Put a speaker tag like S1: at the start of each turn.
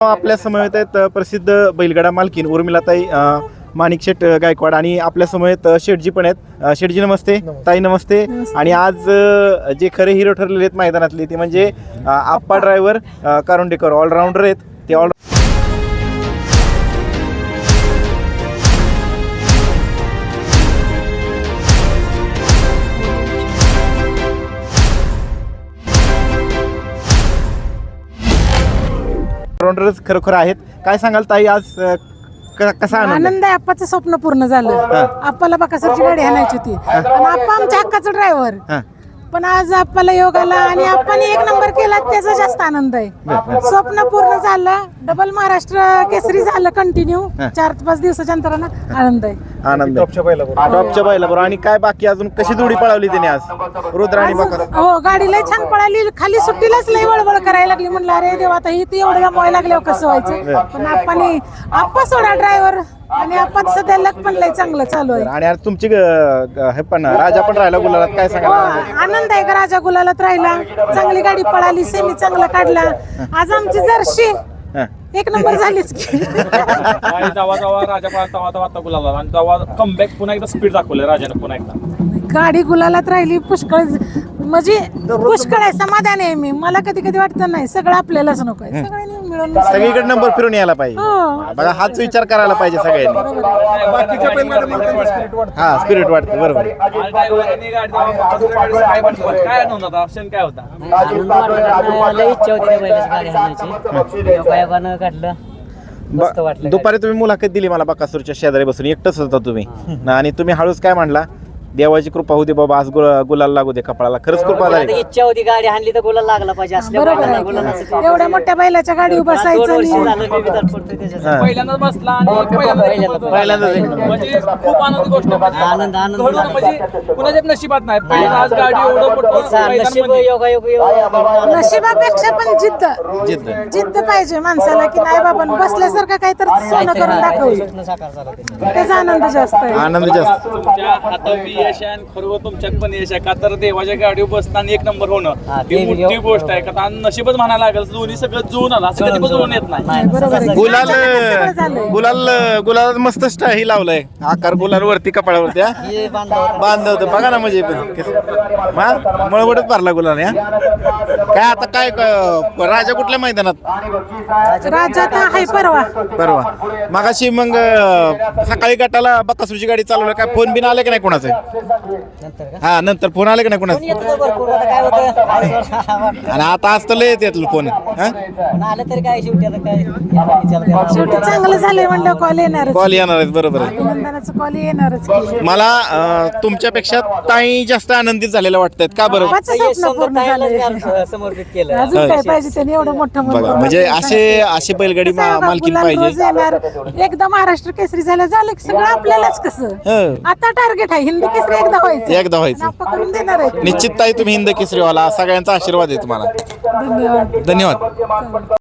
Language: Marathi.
S1: आपल्या समवेत आहेत प्रसिद्ध बैलगाडा मालकीन उर्मिलाताई माणिकशेठ गायकवाड आणि आपल्या समवेत शेठजी पण आहेत. शेठजी नमस्ते. ताई नमस्ते. आणि आज जे खरे हिरो ठरलेले आहेत मैदानातले ते म्हणजे आप्पा ड्रायव्हर कारुंडेकर ऑलराऊंडर आहेत. ते ऑल ऑलराऊंडरच खरोखर आहेत. काय सांगाल ताई, आज कसा
S2: आनंद आहे. आप्पाचं स्वप्न पूर्ण झालं. आप्पाला बकासूरची गाडी आणायची होती आणि आप्पा आमच्या हक्काचा ड्रायव्हर. पण आज आप्पाला योग आला आणि आप्पाने 1 नंबर केला, त्याचा जास्त आनंद आहे. स्वप्न पूर्ण झालं. डबल महाराष्ट्र केसरी झालं कंटिन्यू 4-5 दिवसाच्या अंतरानं. आनंद आहे.
S1: आनंद टॉपच्या बैलाबरोबर. आणि काय बाकी अजून कशी जोडी पळवली त्याने आज रुद्र आणि बकासूर?
S2: हो, गाडी लय छान पळाली. खाली सुट्टीलाच लय वळवळ करायला लागली. म्हणलं अरे देवा, आता ही ती एवढं गमवायला लागल्यावर कसं व्हायचं. पण आप्पा सोडा ड्रायव्हर आणि आपण सध्या लक पण लय चांगलं चालू आहे.
S1: आणि आज तुमची हे पण राजा पण राहिला गुलालात. काय सांगा?
S2: आनंद आहे का राजा गुलालात राहिला. चांगली गाडी पळाली. सेमी चांगला काढला. आज आमची जर्शी 1 नंबर झालीच की.
S3: जेव्हा राजा पळाला तेव्हा गुलाला आणि तेव्हा कमबॅक पुन्हा एकदा स्पीड दाखवलं राजाने पुन्हा एकदा.
S2: गाडी गुलालात राहिली. पुष्कळ म्हणजे पुष्कळ आहे. समाधान आहे मी. मला कधी कधी वाटतं नाही सगळं आपल्यालाच नको आहे. सगळ्यांनी मिळून
S1: सगळीकडे नंबर फिरून यायला पाहिजे. बघा, हाच विचार करायला पाहिजे सगळ्यांनी. हा, स्पिरिट वाटतं. बरोबर.
S3: काय नव्हता ऑप्शन काय होता?
S1: दुपारी तुम्ही मुलाखत दिली मला बकासूरच्या शेजारी बसून. एकटंच होता तुम्ही आणि तुम्ही हळूच काय म्हणला, देवाची कृपा होती बाबा, आज गुलाल लागू दे कपाळाला. खरंच कृपा झाली.
S4: इच्छा होती गाडी हाणली तर गुलाल लागला पाहिजे.
S2: बरोबर आहे. एवढ्या मोठ्या बैलाच्या गाडीवर बसायचं.
S3: पहिल्यांदाच बसला आणि पहिल्यांदाच म्हणजे खूप आनंदी गोष्ट.
S4: आनंद
S3: म्हणजे कुणाच्या नशिबात नाही. पहिल्यांदा आज गाडी
S2: नशिबापेक्षा पण जिद्द पाहिजे माणसाला, की नाही बाबा बसल्यासारखं काहीतरी सोनं करून दाखवलं. त्याचा आनंद जास्त आहे.
S1: आनंद जास्त.
S3: तुमच्या हातात यश आहे आणि खरोखर तुमच्यात पण यश आहे. का तर देवाच्या गाडीवर बसताना 1 नंबर होणं ही मोठी गोष्ट आहे. का नशीबच म्हणायला लागेल. दोन्ही सगळं जुळून आला. असं कधी पण जुळून येत नाही.
S1: गुलाल मस्त स्टाईल लावलाय. आकार गुलाल वरती कपाळावरती बांधवत बघा ना. म्हणजे मळवडच भरला गुलाल. काय आता काय राजा कुठल्या मैदानात?
S2: राजा आहे परवा.
S1: मागाशी मग सकाळी गटाला बकासूरची गाडी चालवलं. काय फोन बिन आले की नाही कोणाचं? हा, नंतर फोन आले की नाही कोणाचं? आणि आता आज तर लय येते फोन.
S4: आलं तरी काय शेवटी आता काय
S2: शेवटी चांगलं झालंय म्हणलं कॉल येणार.
S1: कॉल येणार आहेत. बरोबर आहे.
S2: अभिनंदनाचा कॉल येणारच.
S1: मला तुमच्यापेक्षा ताई जास्त आनंदित झालेल्या वाटतात. का बरं?
S2: स्वप्न पूर्ण झालंय.
S4: समर्पित केलं.
S2: अजून काय पाहिजे त्यांनी एवढं मोठं
S1: बघा, म्हणजे असे बैलगाडी मालकीन पाहिजे.
S2: एकदा महाराष्ट्र केसरी झालं की सगळं आपल्यालाच. कसं आता टार्गेट आहे हिंद केसरी एकदा व्हायचं. आप्पा करून देणार आहे.
S1: निश्चित ताई, तुम्ही हिंद केसरी व्हाल. सगळ्यांचा आशीर्वाद आहे तुम्हाला.
S2: धन्यवाद.
S1: धन्यवाद.